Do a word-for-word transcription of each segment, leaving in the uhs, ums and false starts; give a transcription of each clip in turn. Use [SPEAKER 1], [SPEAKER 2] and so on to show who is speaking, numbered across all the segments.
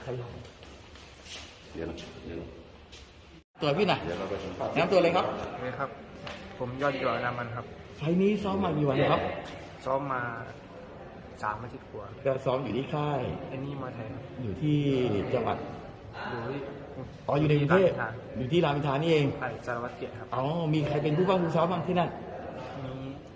[SPEAKER 1] รลง
[SPEAKER 2] เดี๋ยวเดี๋ยว
[SPEAKER 1] ตัวพี่หน่อย
[SPEAKER 2] เดี๋ยวเราไปสัมภาษณ์
[SPEAKER 1] น้ำตัวเลยครับ
[SPEAKER 3] นี่ครับ ผมยอดหยอดนามันครับ
[SPEAKER 1] ไฟล์นี้ซ้อมมากี่วันครับ
[SPEAKER 3] ซ้อมมาสามอาทิตย์กว่า
[SPEAKER 1] ก็ซ้อมอยู่ที่ค่าย
[SPEAKER 3] ไอ้นี่มาแทน
[SPEAKER 1] อยู่ที่จังหวัด
[SPEAKER 3] อยู่ที่
[SPEAKER 1] อ๋ออยู่ในกรุงเทพ
[SPEAKER 3] รามอินทรา
[SPEAKER 1] อยู่ที่รามอินทรานี่เอง
[SPEAKER 3] ไอ้สารวัตรเกียรติครับ
[SPEAKER 1] อ๋อมีใครเป็นผู้บ้างผู้ซ้อมบ้างที่นั่น
[SPEAKER 3] มี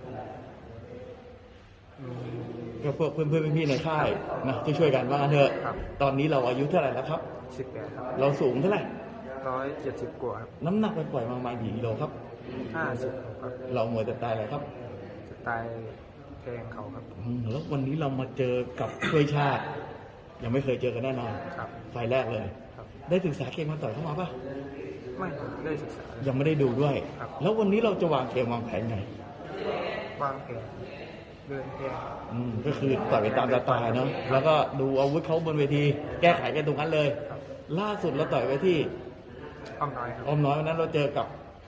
[SPEAKER 3] มี
[SPEAKER 1] ก็พวกเพื่อนเพื่อนๆพี่ๆในค่ายนะที่ช่วยกันว่างั้นเถอะ
[SPEAKER 3] ครับ
[SPEAKER 1] ตอนนี้เราอายุเท่าไหร่แล้วครับ
[SPEAKER 3] สิบแปดครับ
[SPEAKER 1] เราสูงเท่าไหร่
[SPEAKER 3] ร้อยเจ็ดสิบกว่าครับ
[SPEAKER 1] น้ำหนักไปปล่อยๆมาประมาณกี่กิโลครับ
[SPEAKER 3] ห้าสิบครับ
[SPEAKER 1] เราหมวยแต่ตายอะไรครับ
[SPEAKER 3] สไตล์แทงเขาครับ
[SPEAKER 1] อืมแล้ววันนี้เรามาเจอกับช่วยชาติ ยังไม่เคยเจอกันแน่นอน
[SPEAKER 3] ครับ
[SPEAKER 1] ไฟล์แรกเลย
[SPEAKER 3] ครับ
[SPEAKER 1] ได้ศึกษาเกมมาต่อยเข้ามาปะ
[SPEAKER 3] ไม่ได้ศึกษา
[SPEAKER 1] ยังไม่ได้ดูด้วย
[SPEAKER 3] ครับ
[SPEAKER 1] แล้ววันนี้เราจะวางเกมวางแผนไง
[SPEAKER 3] วางแผนเดินแทง
[SPEAKER 1] อืมก็คือต่อยไปตามสไตล์เนาะแล้วก็ดูอาวุธเขาบนเวที แก้ไขกันตรงนั้นเลย
[SPEAKER 3] ครับ
[SPEAKER 1] ล่าสุดเราต่อยไปที่
[SPEAKER 3] อ้อมน้อยครับ
[SPEAKER 1] ออมน้อยวันนั้นเราเจอกับ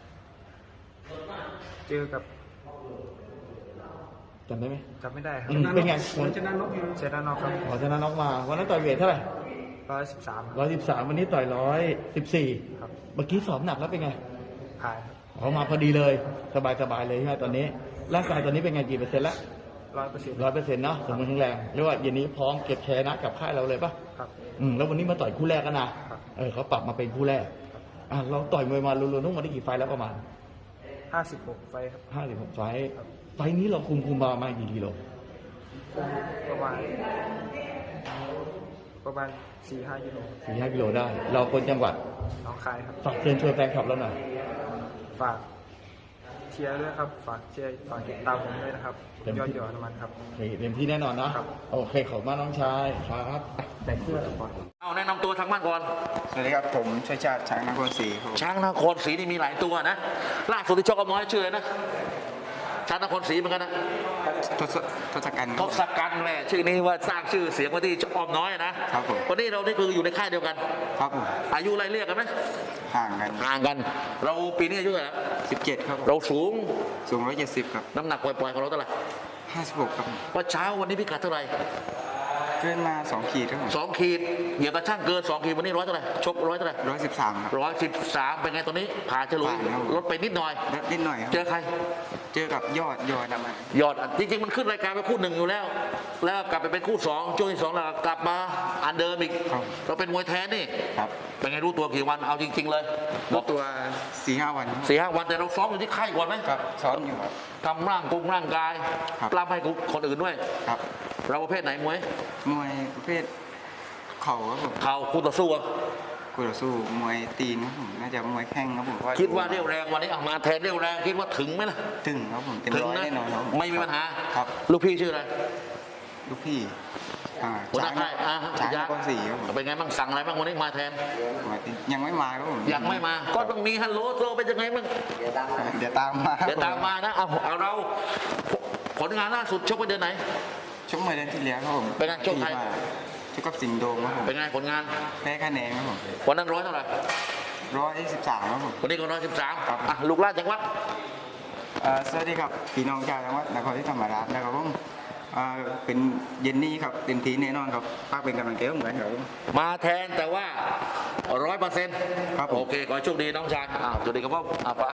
[SPEAKER 3] เจอกับ
[SPEAKER 1] จำได้ไหม
[SPEAKER 3] จำไม่ได้ครับ
[SPEAKER 1] อืมเป็นไงวัน
[SPEAKER 3] ชนะนกชนะนกครับ
[SPEAKER 1] ขอชนะน็อกมาวันนั้นต่อยเวทเท่าไหร่
[SPEAKER 3] ร้อยสิบสาม
[SPEAKER 1] ร้อยสิบสามวันนี้ต่อยร้อยสิบสี่
[SPEAKER 3] ครับ
[SPEAKER 1] เมื่อกี้สอบหนักแล้วเป็นไง
[SPEAKER 3] ผ่านครับ
[SPEAKER 1] ออกมาพอดีเลย สบายสบายๆเลยใช่ไหมตอนนี้ร่างกายตอนนี้เป็นไงกี่เปอร์เซ็นต์ละ
[SPEAKER 3] ร้อยเปอร์เซ็นต์
[SPEAKER 1] ร้อยเปอร์เซ็นต์เนาะสมบูรณ์แข็งแรงเรียกว่าเย็นนี้พร้อมเก็บแชนะกับค่ายเราเลยปะ
[SPEAKER 3] ครับ
[SPEAKER 1] อืมแล้ววันนี้มาต่อยคู่แรกกันนะครับ เออเขาปรับมาเป็นคู่แรกอ่ะเราต่อยมวยมารวมๆทั้งหมดได้กี่ไฟล์แล้วประมาณ
[SPEAKER 3] ห้าสิบหกไฟครับ
[SPEAKER 1] ห้าสิบหกไฟล์ไฟล์นี้เราคุมคุมมาประมาณกี่กิโล
[SPEAKER 3] ประมาณประมาณสี่ห้ากิโล
[SPEAKER 1] สี่ห้ากิโลได้ เราคนจังหวัด
[SPEAKER 3] น้องคายครับ
[SPEAKER 1] ฝากเชิญชวนแฟนคลับเราหน่อย
[SPEAKER 3] ฝากเชียร์ด้วยครับ ฝากเชียร์ฝากติดตามผมด้วยนะครับ ยอดหยอดน้ำมันครับ
[SPEAKER 1] โอเคเต็มที่แน่นอนนะครับ โอเคขอบคุณมากน้องชายครับแต่งเสื้อก่อน
[SPEAKER 4] เอาแนะนำตัวทางบ้านก่อน
[SPEAKER 5] สวัสดีครับผมชัยชาติช้างนครศรีครับผม
[SPEAKER 4] ช้างนครศรีนี่มีหลายตัวนะล่าสุดที่ชกกับน้อยชื่ออะไรนะช้างนครศรีเหมือนกันนะ
[SPEAKER 5] ทศทศกัณฐ์
[SPEAKER 4] ทศกัณฐ์แหละชื่อนี้ว่าสร้างชื่อเสียงไว้ที่อ้อมน้อยนะครับ
[SPEAKER 5] ผม
[SPEAKER 4] วันนี้เรานี่คืออยู่ในค่ายเดียวกัน
[SPEAKER 5] ครับผม
[SPEAKER 4] อายุไล่เรียกกันไหม
[SPEAKER 5] ห่างกัน
[SPEAKER 4] ห่างกัน เราปีนี้อายุเท่าไหร่แล้ว
[SPEAKER 5] สิบเจ็ดครับผม
[SPEAKER 4] เราสูง
[SPEAKER 5] สูงร้อยเจ็ดสิบครับ
[SPEAKER 4] น้ำหนักปล่อยๆของเราเท่าไหร่
[SPEAKER 5] ห้าสิบหกครับผม
[SPEAKER 4] ว่าเช้าวันนี้พิกัดเท่าไหร่
[SPEAKER 5] เกินมาสองขีดครับผม
[SPEAKER 4] สองขีดเหยียบกระช่างเกินสองขีดวันนี้ร้อยเท่าไหร่ชกร้อยเท่าไหร่
[SPEAKER 5] ร้อยสิบสามครับ
[SPEAKER 4] ร้อยสิบสามเป็นไงตอนนี้ผ่านฉลุย
[SPEAKER 5] ผ่านครับ
[SPEAKER 4] ลดไปนิดหน่อย
[SPEAKER 5] ลดนิดหน่อยครับ
[SPEAKER 4] เจอใคร
[SPEAKER 5] เจอกับยอดยอดน้ำมัน
[SPEAKER 4] ยอดจริงๆมันขึ้นรายการไปคู่หนึ่งอยู่แล้ว แล้วกลับไปเป็นคู่สองช่วงที่สองแล้วกลับมาอันเดิมอีกเราเป็นมวยแท้นี่
[SPEAKER 5] ครับ
[SPEAKER 4] เป็นไงรู้ตัวกี่วันเอาจริง ๆ เลย
[SPEAKER 5] รู้ตัวสี่ห้าวัน
[SPEAKER 4] สี่ห้าวันแต่เราซ้อมอยู่ที่ค่ายก่อนไหม
[SPEAKER 5] ครับซ้อมอยู่ครับ
[SPEAKER 4] ทำร่างกงร่างกาย
[SPEAKER 5] ครับ
[SPEAKER 4] กล้ามให้คนอื่นด้วย
[SPEAKER 5] ครับ
[SPEAKER 4] เราประเภทไหนมวย
[SPEAKER 5] มวยประเภทเข่าครับผม
[SPEAKER 4] เข่าคู่ต่อสู้อะ
[SPEAKER 5] กูต่อสู้มวยตีนครับผมน่าจะมวยแข้งครับผม
[SPEAKER 4] คิดว่าเรี่ยวแรงวันนี้เอามาแทนเรี่ยวแรงคิดว่าถึงไหมล่ะ
[SPEAKER 5] ถึงครับผมเต็ม
[SPEAKER 4] ถึง
[SPEAKER 5] ร้อย
[SPEAKER 4] นะ
[SPEAKER 5] แน่นอนครับผ
[SPEAKER 4] ไม่มีปัญหา
[SPEAKER 5] ครับ
[SPEAKER 4] ลูกพี่ชื่ออะไร
[SPEAKER 5] ลูกพี่อ่า
[SPEAKER 4] หัวหน้าค่ายอ่า
[SPEAKER 5] ช้างน
[SPEAKER 4] ยักษ์
[SPEAKER 5] ครศรีครับผม
[SPEAKER 4] เป็นไงบ้างสั่งอะไรบ้างวันนี้มาแทน
[SPEAKER 5] ยังไม่มาครับผม
[SPEAKER 4] ยังไม่มาก็ต้องมีฮัลโหลโทรเป็นยังไงบ้าง
[SPEAKER 5] เดี๋ยวตามมาครับ
[SPEAKER 4] เดี๋ยวตามมานะ เอาเอาเราผลงานล่าสุดชกไปเดือนไหน
[SPEAKER 5] ชกมาเดือนที่แล้วครับผม
[SPEAKER 4] เป็นไงชกใคร
[SPEAKER 5] ที่มาชกกับสิงห์โดมครับผม
[SPEAKER 4] เป็นไงผลงาน
[SPEAKER 5] แพ้คะแนนครับผม
[SPEAKER 4] วันนั้นร้อยเท่าไหร่
[SPEAKER 5] ร้อยสิบสามครับผม
[SPEAKER 4] วันนี้ก็ร้อยสิบสาม
[SPEAKER 5] ครับ
[SPEAKER 4] อ่ะลูกหลานจังหวัด
[SPEAKER 5] เอ่อสวัสดีครับพี่น้องชาวจังหวัดนครศรีธรรมราชนะครับผมเอ่อเป็นเย็นนี้ครับเต็มที่แน่นอนครับป้ากเป็นกำลังใจให้ผมเหมือนครับผม
[SPEAKER 4] มาแทนแต่ว่าร้อยเปอร์เซ็นต์
[SPEAKER 5] ครับผม
[SPEAKER 4] โอเค ขอให้โชคดีน้องชายอ่าสวัสดีครับพ่ออ่า